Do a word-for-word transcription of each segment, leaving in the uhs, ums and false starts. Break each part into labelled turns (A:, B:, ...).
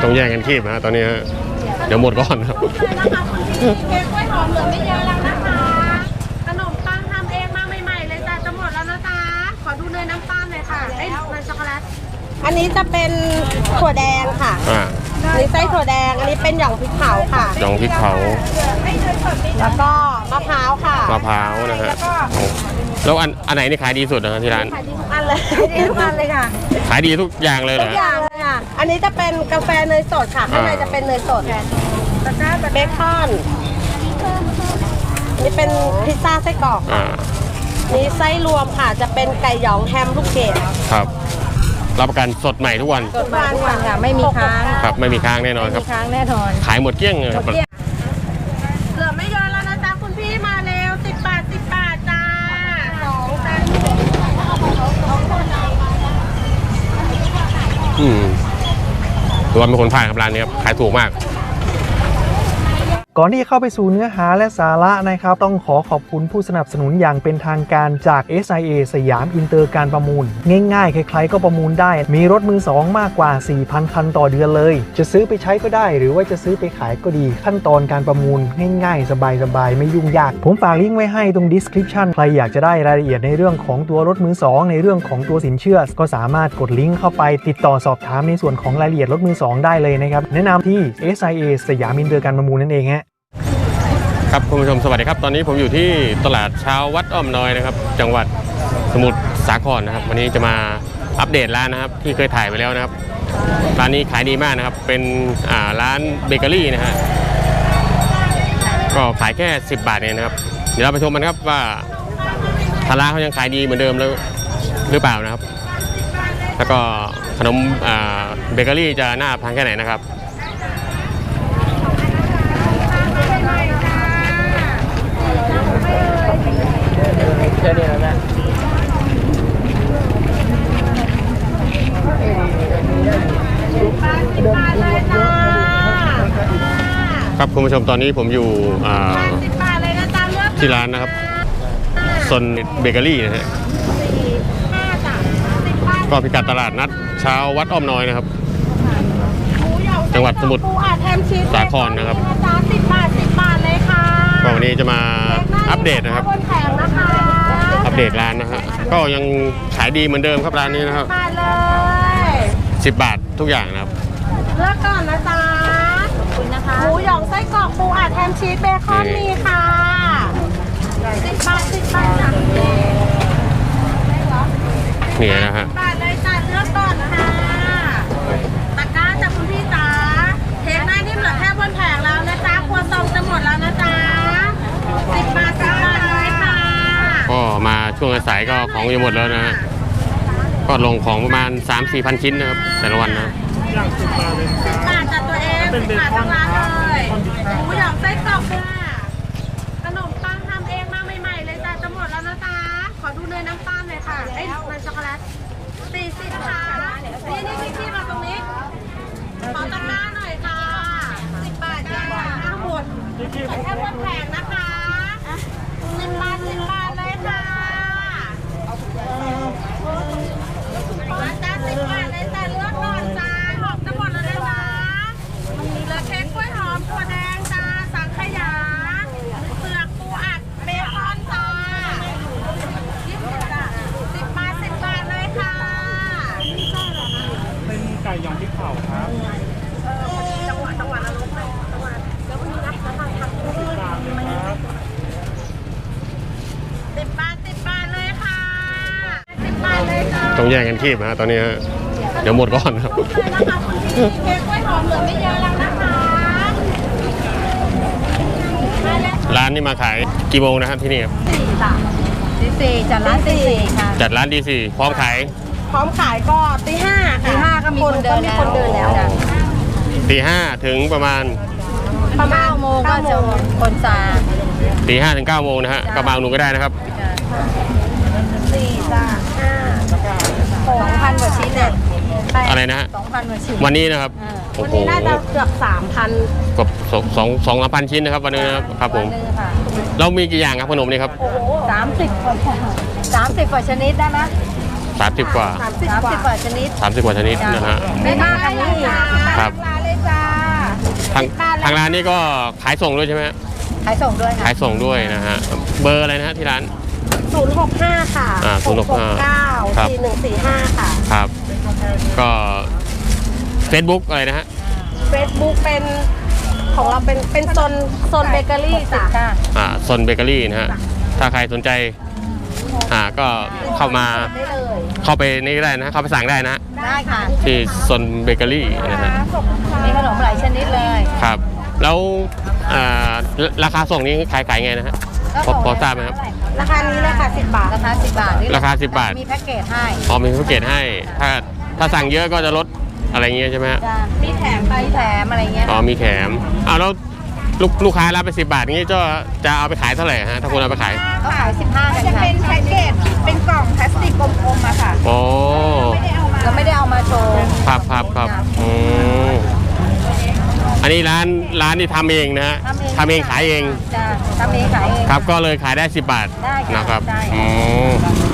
A: ต้องแย่งกันคีบนะตอนนี้ฮะเดี๋ยวหมดก่อนครับ
B: เค้กกล้วยหอมเหลือไม่เยอะแล้วนะคะขนมปังทำเองมาใหม่ๆเลยจ้ะจะหมดแล้วนะจ๊ะขอดูเนยน้ำตาลเลยค่ะเอ้ยเนยช็อกโกแลตอันนี้จะเป็นถั่วแดงค่ะ
A: อ่า
B: อันนี้ไส้ถั่วแดงอันนี้เป็นหย่องพริกเผาค่ะ
A: หย่องพริกเผา
B: แล้วก็มะพร้าวค่ะ
A: มะพร้าวนะฮะแล้วอันอันไหนนี่ขายดีสุดนะที่ร้าน
B: ขายดีทุกอันเลยขายดีทุกอันเลยค่ะ
A: ขายดีทุกอย่างเลยเหรอ
B: ทุกอย่างเลยค่ะอันนี้จะเป็นกาแฟเนยสดค่ะข้างในจะเป็นเนยสดเบคอนนี่เป็นพิซซ่าไส้กรอกนี่ไส้รวมค่ะจะเป็นไก่หยองแฮมลูกเกด
A: ครับรับประกันสดใหม่ทุกวัน
B: สดใหม่ทุกวันค่ะไม่มีค้าง
A: ครับไม่มีค้างแน่นอนครับ
B: ค้างแน่นอน
A: ขายหมดเกลี้ยงเลยครับ
B: เหลือไม่เยอะแล้วนะจ๊ะคุณพี่มาเร็วสิบบาทสิบบาทจ้าสองจ้า
A: อืมตัวเป็นคนผ่านครับร้านนี้ครับขายถูกมาก
C: ก่อนที่จะเข้าไปสู่เนื้อหาและสาระนะครับต้องขอขอบคุณผู้สนับสนุนอย่างเป็นทางการจาก เอส ไอ เอ สยามอินเตอร์การประมูลง่ายๆใครๆก็ประมูลได้มีรถมือสองมากกว่า สี่พัน คันต่อเดือนเลยจะซื้อไปใช้ก็ได้หรือว่าจะซื้อไปขายก็ดีขั้นตอนการประมูลง่ายๆสบายๆไม่ยุ่งยากผมฝากลิงก์ไว้ให้ตรง description ใครอยากจะได้รายละเอียดในเรื่องของตัวรถมือสองในเรื่องของตัวสินเชื่อก็สามารถกดลิงก์เข้าไปติดต่อสอบถามในส่วนของรายละเอียดรถมือสองได้เลยนะครับแนะนำที่ เอส ไอ เอ สยามอินเตอร์การประมูลนั่นเองฮะ
A: ครับคุณผู้ชมสวัสดีครับตอนนี้ผมอยู่ที่ตลาดเช้าวัดอ้อมน้อยนะครับจังหวัดสมุทรสาครนะครับวันนี้จะมาอัปเดตร้านนะครับที่เคยถ่ายไปแล้วนะครับร้านนี้ขายดีมากนะครับเป็นอ่าร้านเบเกอรี่นะฮะก็ขายแค่สิบบาทเองนะครับเดี๋ยวเราไปชมกันครับว่าทางร้านเขายังขายดีเหมือนเดิมแล้วหรือเปล่านะครับแล้วก็ขนมอ่าเบเกอรี่จะน่าทานแค่ไหนนะครับเจอเนี่ยแล้วนะครับคุณผู้ชมตอนนี้ผมอยู่ที่ร้านนะครับซนเบเกอรี่นะฮะก็พิกัดตลาดนัดเช้าวัดอ้อมน้อยนะครับจังหวัดสมุทรสาครนะครับ
B: สิบบาทสิบบาทเลยค่ะ
A: ก็วันนี้จะมาอัปเดตนะครับอัปเดตร้านนะฮะก็ยังขายดีเหมือนเดิมครับร้านนี้นะครับ
B: มาเลย
A: สิบบาททุกอย่างนะครับ
B: เลือกก่อนนะจ๊ะขอบคุณนะคะหมูหยองไส้กรอกปูอัดแฮมชีสเบคอนมีค่ะสิบบาทสิบบาทจ้ะ
A: นี่นะฮะ
B: บาทเลยจ้ะเลือกก่อนค่ะตะกร้าจากคุณพี่จ๋าเทคหน้านิ่มเหลือแค่บนแผงแล้วนะจ๊ะครัวซองจะหมดแล้วนะจ๊ะสิบบาทสิบบาทเลยค่ะ
A: ก็มาช่วงสายก็ของจะหมดแล้วนะฮะก็ลงของประมาณ สามสี่พัน ชิ้นนะครับแต่ละวันนะ
B: สิบบาทจากตัวเองสิบบาททั้งร้านเลยหมูหยองไส้กรอกค่ะขนมปังทำเองมาใหม่ๆเลยจ้ะจะหมดแล้วนะจ๊ะขอดูเนยน้ำตาลเลยค่ะเอ้ยเนยช็อกโกแลตสี่สิบค่ะนี่นี่พี่ๆมาตรงนี้ขอตะกร้าหน่อยค่ะสิบบาทจ้ะทั้งหมดแค่บนแผงนะคะสิบบาทสิบบาทเลยค่ะมาจ้าสิบบาทเลยจ้ะเลือกก่อนจ้าหอมจะหมดแล้วนะคะเหลือเค้กกล้วยหอมถั่วแดงจ้าสังขยาเปลือกปูอัดเบคอนจ้ายี่สิบจ้ะสิบบาทสิบบาทเลยค่ะ
C: เป็นไก่ยองพริกเผาครับ
B: จังหวะจังหวะละลบเลยจังหวะแล้ววันนี้นะทางทางสิบบาทครับสิบบาทสิบบาทเลยค่ะสิบบาทเลยจ้า
A: ต้องแย่งกันคีบนะตอนนี้ฮะเดี๋ยวหมดก่อนครับ
B: เค้กกล้วยหอมเหลือไม่เยอะแล้วนะคะ
A: ร้านนี้มาขายกี่โมงนะครับที่นี่ครับ
B: สี่จ้ะตีสี่จัดร้านตีสี่ค่ะ
A: จัดร้านตีสี่พร้อมขาย
B: พร้อมขายก็ตีห้าค่ะตีห้าก็มีคนเดินแล้วคนเดินแล้ว
A: ตีห้าถึงประมาณ
B: ประมาณโมงก็จะคนซา
A: ตีห้าถึงเก้าโมงนะฮะก็มาหนูก็ได้นะครับ
B: สี่จ้ะห้าสองพันกว่าชิ้นเนี่ย
A: อะไรนะฮะ
B: สองพันกว่าชิ้น
A: วันนี้นะครับ
B: โอ้โหวันนี้น่าจะเกือบสามพัน
A: กับสองสองสองพันชิ้นนะครับวันนี้นะครับครับผมเรามีกี่อย่างครับขนมนี่ครับ
B: สามสิบสามสิบกว่าชนิดได้ไหม
A: สามสิบกว่า
B: สามสิบกว่าชนิด
A: สามสิบกว่าชนิดนะฮะ
B: ไม่มากอันนี้
A: ครับทางทางร้านนี่ก็ขายส่งด้วยใช่ไหมฮะ
D: ขายส่งด้วยค่ะ
A: ขายส่งด้วยนะฮะเบอร์อะไรนะฮะที่ร้าน
B: ศูนย์หกห้าค่ะ
A: อ่าศูนย์หกห้า
B: เก้า
A: ครับ
B: สี่หนึ่งสี่ห้าค่ะ
A: ครับก็ Facebook อะไรนะฮะ
B: Facebook เป็นของเราเป็นเป็นโซนโซนเบเกอรี่จ้ะ
D: ค่ะ
A: อ่าซนเบเกอรี่นะฮะถ้าใครสนใจอ่าก็เข้ามา
D: ได้เลย
A: เข้าไปนี่ก็ได้นะเข้าไปสั่งได้นะฮะ
D: ได้ค่ะ
A: ที่ซนเบเกอรี่นะฮะ
D: มีขนมหลายชนิดเลย
A: ครับแล้วอ่าราคาส่งนี้ขายขายไงนะฮะพอพอทราบไหมครับ
B: ราคานี้เลยค่ะสิบบาท
D: ราคาสิบบาทนี่
A: ราคาสิบบาท
D: มีแพ็กเกจให้
A: พอมีแพ็กเกจให้ถ้าถ้าสั่งเยอะก็จะลดอะไรเงี้ยใช่ไหมฮะ
D: จ้ะ
B: มีแถมไป
D: มีแถมอะไรเงี้ย
A: อ๋อมีแถมอ้าวแล้วลูกลูกค้ารับไปสิบบาทงี้จะจะเอาไปขายเท่าไหร่ฮะถ้าคุณเอาไปขาย
D: เขาขายสิบห้ากัน
B: จะ
D: ค่ะ
B: เป็นแพ็กเกจเป็นกล่องพลาสติกกลมๆอะค่ะ
A: โอ้
D: เราไม่ได้เอามาโชว์
A: ครับครับครับอืมอันนี้ร้านร้านที่ทำเองนะฮะทำเองขายเอง
D: จ้ะทำเองขายเอง
A: ครับก็เลยขายได้สิบบาท
D: ได้ค่ะ
A: นะครับ
D: ได้
A: อืม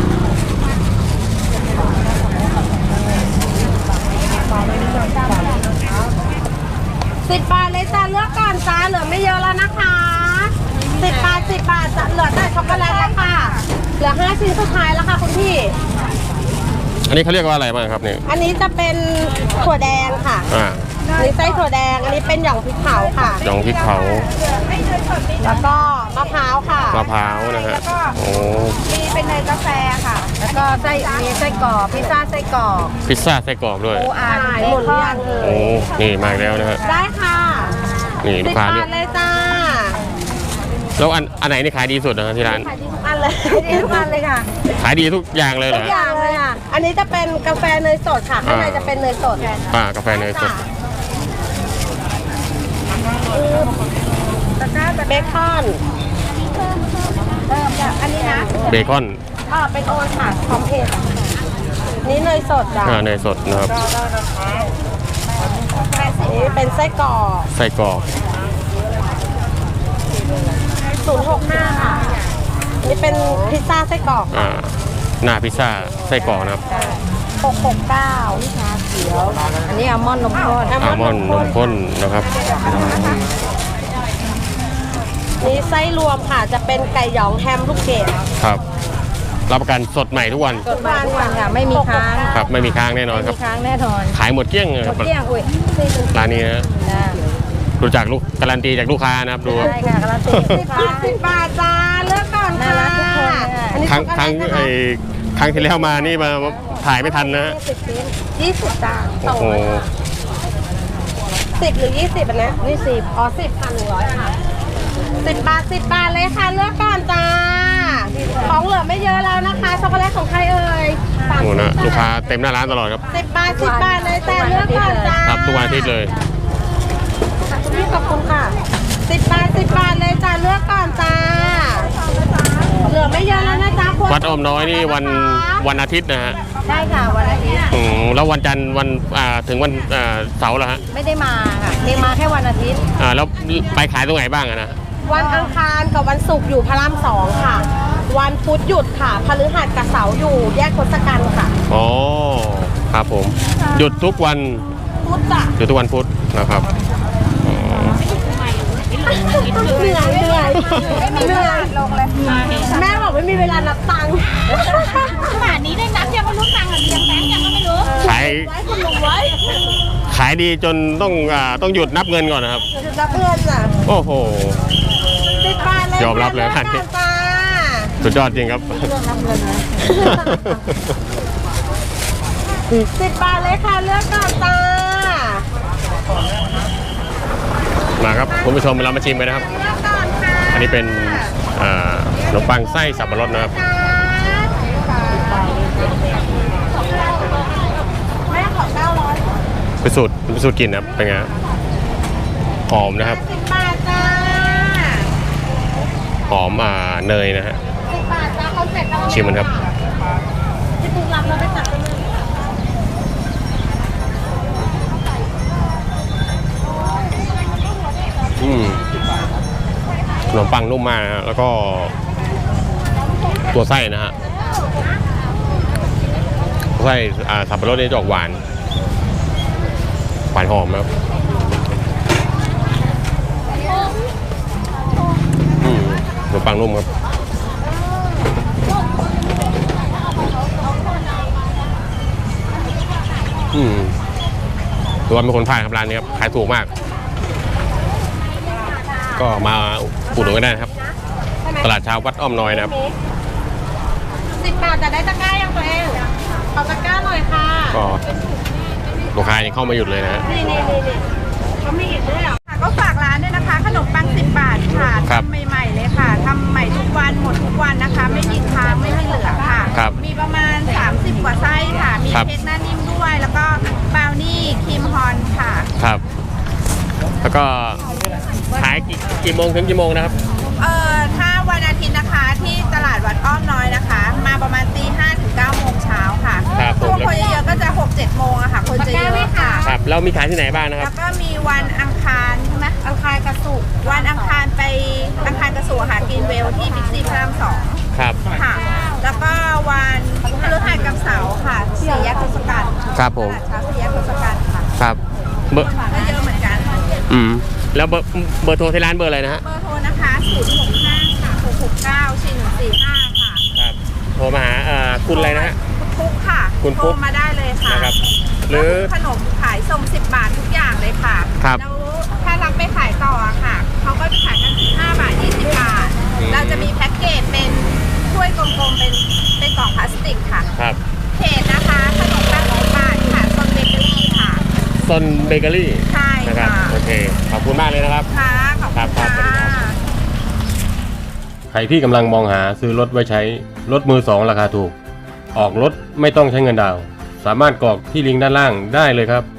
B: สิบบาทเลยจ้าเลือกก่อนจ้าเหลือไม่เยอะแล้วนะคะสิบบาทสิบบาทจะเหลือแต่ช็อกโกแลตแล้วค่ะ เหลือห้าชิ้นสุดท้ายแล้วค่ะคุณพี่
A: อันนี้เขาเรียกว่าอะไรบ้างครับเนี่ย
B: อันนี้จะเป็นถั่วแดงค่ะ
A: อ่า
B: อันนี้ไส้ถั่วแดง อันนี้เป็นหย่องพริกเผาค่ะ
A: ดองพริกเผา
B: แล้วก็มะพร้าวค่ะ
A: มะพร้าวนะฮะโอ้
B: มีเป็นเนยกาแฟค่ะ
D: แล้วก็ไส้มีไส้กรอกพิซซ่าไส้กรอก
A: พิซซ่าไส้กรอกด้วย
D: ปูอัด
B: ขาย
D: เบ
B: หมดห
D: ค
B: รือ
D: อ
B: ยั
D: น
B: งเอ่
A: โอ้
B: ย
A: นี่มาอีกแล้วนะฮะ
B: ได้ค่ะ
A: นี่ลู
B: สิ
A: ก
B: บ
A: ค้า
B: บา
A: เนี่
B: ท
A: ย
B: เลยจ้า
A: แล้วอันอันไหนนี่ขายดีสุดนะฮะที่ร้าน
B: ขายดีทุกอันเลย
D: ดีทุกวันเลยค่ะ
A: ขายดีทุกอย่างเลยเหร
B: ทุ
A: อก
B: อย่างเลยค่ะ อันนี้จะเป็นกาแฟเนยสดค่ะ ข้างในจะเป็นเนยสด
A: อ่ากาแฟเนยสด
B: ตะกร้าเบคอน
D: เริ่มจากอันนี้นะ
A: เบคอน
B: อ่าเป็นโอนค่ะพร้อมเพย์นี่เนยสดจ้ะ
A: อ่าเนยสดนะครับ
B: นี่เป็นไส้กรอก
A: ไส้กรอก
B: ศูนย์หกห้าค่ะ นี่เป็นพิซซ่าไส้กรอก
A: อ่าหน้าพิซซ่าไส้กรอกนะครับ
B: หกหกเก้า
D: เขียวอันนี้อัลมอนด์นมข้น
A: อัลมอนด์นมข้นนะครับอืม
B: นี่ไส้รวมค่ะ จะเป็นไก่หยองแฮมลูกเกด
A: ครับรับประกันสดใหม่ทุกวัน
D: สดมาทุกวันค่ะไม่มีค้าง
A: ครับไม่มีค้างแน่นอน
D: ไม่
A: ครั
D: มี
A: บ
D: ค้างแน่นอน
A: ขายหมดเกลี้ยงเลย
D: หม
A: ครั
D: ด
A: บ
D: เกลี้ยงอุ้ย
A: ร้านนี้นะ
D: นะ
A: ดูจากลูกการันตีจากลูกค้านะครับดู
D: ได้ค่ะการันตี
B: สิบบาทสิบบาทจ้า เลือกก่อน
D: น่า
B: ค่ะ
D: รักทุกคนเลย
B: อันนี้
A: ครั้ง
B: ช็อก
A: ครั้ง
B: โกแลตนะ
A: ไอ้
B: คะ
A: ครั้งที่แล้วมานี่มาถ่ายไม่ทันนะฮะ
B: สิบชิ้นยี่สิบจ้าส
A: โอ้
B: อง
A: โห
B: ร้อยค่ะสิบหรือยี่สิบอันเนี้ยนี่สิบอ๋อสิบพันหนึ่งร้อยค่ะสิบบาทสิบบาทเลยค่ะ เลือกก่อนจ้า ของเหลือไม่เยอะแล้วนะคะช็อกโกแลตของใครเอ่ย
A: โอ้โหนะลูกค้าเต็มหน้าร้านตลอดครับ
B: สิบบาทสิบบาทเลยจ้าเลือกก่อนจ้า
A: ครับทุกวันอาทิตย์เลย
B: คุณพี่ขอบคุณค่ะสิบบาทสิบบาทเลยจ้าเลือกก่อนจ้า เหลือไม่เยอะแล้วนะจ๊ะคุณ
A: วัดอ้อมน้อยนี่วันวันอาทิตย์นะฮะ
D: ใช่ค่ะวันอาทิตย์
A: อืมแล้ววันจันทร์วันอ่าถึงวันอ่าเสาร์เหรอฮะ
D: ไม่ได้มาค่ะเพียงมาแค่วันอาทิตย์
A: อ่าแล้วไปขายตรงไหนบ้างอะนะ
B: วันอังคารกับวันศุกร์อยู่พระรามสองค่ะ วันพุธหยุดค่ะพฤหัสกับเสาร์อยู่แยกทศกัณฐ์ค่ะ
A: อ๋อครับผมหยุดทุกวัน
B: พุธจ้ะ
A: หยุดทุกวันพุธนะครับอ๋อ
B: เหนื่อยเหนื่อยเหนื่อยลงเลยแม่บอกไม่มีเวลานับตังค์
E: ขนาดนี้ได้นับยังไม่รู้ตังค์หรือยังแบงค์ยังก็ไม่รู้
A: ขาย
B: ไว้คุณลุงไว้
A: ขายดีจนต้องอ่าต้องหยุดนับเงินก่อนนะครับ
B: จุดรับเงินอ่ะ
A: โอ้โห
B: สิบบาทเลย
A: ยอมรับเลย
B: ค่ะ
A: อันนี้
B: จ้า
A: สุดยอดจริงครับ
B: สิบบาทเลยค่ะเลือกก่อนจ้า
A: มาครับคุณผู้ชมเรามาชิมกันนะครับ
B: เลือกก่อนค่ะ
A: อันนี้เป็นอ่าขนมปังไส้สับปะรดนะครับ
B: จ้าแม่ขอเก้าร้อย
A: เป็นสูตรเป็นสูตรกลินนะครับเป็นไงฮะหอมนะครับ
B: สิบบาทจ้า
A: หอมอ่าเนยนะฮะ
B: สิบบาทจ้าคอนเซ็ปต์
A: ชิมมันครับ
B: ที่ปุ๊กรับเราไปตัดกันเลย
A: อืมขนมปังนุ่มมากนะฮะแล้วก็ตัวไส้นะฮะไส้อ่าสับปะรดนี่จะออกหวานหวานหอมนะครับขนมปังนุ่มครับอืมตัวเป็นคนพลาดครับร้านนี้ครับขายถูกมากก็มาอุดหนุนกันได้นะครับตลาดเช้าวัดอ้อมน้อยนะครับ
B: สิบบาทจะได้ตะกร้ายังตัวเองขอตะกร้าหน่อยค่ะ
A: ก็ลูกค้ายังเข้ามาหยุดเลยนะฮะ
B: นี่นี่นี่นี่เขามีอีกด้วยเหรอค่ะก็ฝากร้านด้วยนะคะ ขนมปังสิบบาทค่ะ
A: ครับ
B: ทำใหม่ๆเลยค่ะทำใหม่ทุกวันหมดทุกวันนะคะ ไม่มีค้างไม่มีเหลือค่ะ
A: ครับ
B: มีประมาณสามสิบกว่าไส้ค่ะ มี
A: ครับ
B: เค้กหน้านิ่มด้วย แล้วก็บราวนี่ครีมฮอนค่ะ
A: ครับ แล้วก็ขายกี่กี่โมงถึงกี่โมงนะครับ
B: เอ่อถ้าวันอาทิตย์นะคะที่ตลาดวัดอ้อมน้อยนะคะ มาประมาณตีห้าถึงเก้าโมงเช้าค่ะ
A: ครับผม
B: ช่วงคนเยอะๆก็จะหกเจ็ดโมงอะค่ะ คนจะเยอะค่ะ
A: ครับแล้วมีขายที่ไหนบ้างนะค
B: แล้
A: รับ
B: วก็มีวันอังคารใช่ไหมอังคารกระสุกร์วันอังคารไปอังคารกระสุกร์ค่ะกินเวลที่บิ๊กซีพระรามสอง
A: ครับ
B: ค่ะ แล้วก็วันพฤหัสกับเสาร์ค่ะสี่แยกทศกัณฐ์
A: ครับผม
B: ตลาดเช้าสี่แยกทศกัณฐ์ค่ะ
A: ครับเบอร์
B: ก็เยอะเหมือนกัน
A: อืมแล้วเบอร์เบอร์โทรที่ร้านเบอร์อะไรนะฮะ
B: เบอร์โทรนะคะศูนย์หกห้าค่ะหกหกเก้าสี่หนึ่งสี่ห้าค่ะ
A: ครับโทรมาหาเอ่อคุณอะไรนะฮะ
B: คุณปุ๊กค่ะ
A: คุณปุ๊ก
B: โทรมาได้เลยค่ะ
A: นะครับหรือ
B: ขนมขายส่งสิบบาททุกอย่างเลยค่ะ
A: ครับ
B: แล้วถ้ารับไปขายต่ออะค่ะเขาก็จะขายกันสิบห้าบาทยี่สิบบาท
A: อืม
B: เราจะมีแพ็กเกจเป็นถ้วยกลมๆเป็นเป็นกล่องพลาสติกค่ะ
A: ครับ
B: เพจนะคะขนมปังสิบบาทค่ะโซนเบเกอรี่ค่ะ
A: ซนเบเกอรี่
B: ใช่
A: นะครับ
B: ค่ะ
A: โอเคขอบคุณมากเลยนะครับ
B: ค่ะขอบ
A: ครั
B: คุ
A: บ
B: ณ
A: ครับ
B: ค่ะ
A: ใครที่กำลังมองหาซื้อรถไว้ใช้รถมือสองราคาถูก ออกรถไม่ต้องใช้เงินดาวน์สามารถกรอกที่ลิงก์ด้านล่างได้เลยครับ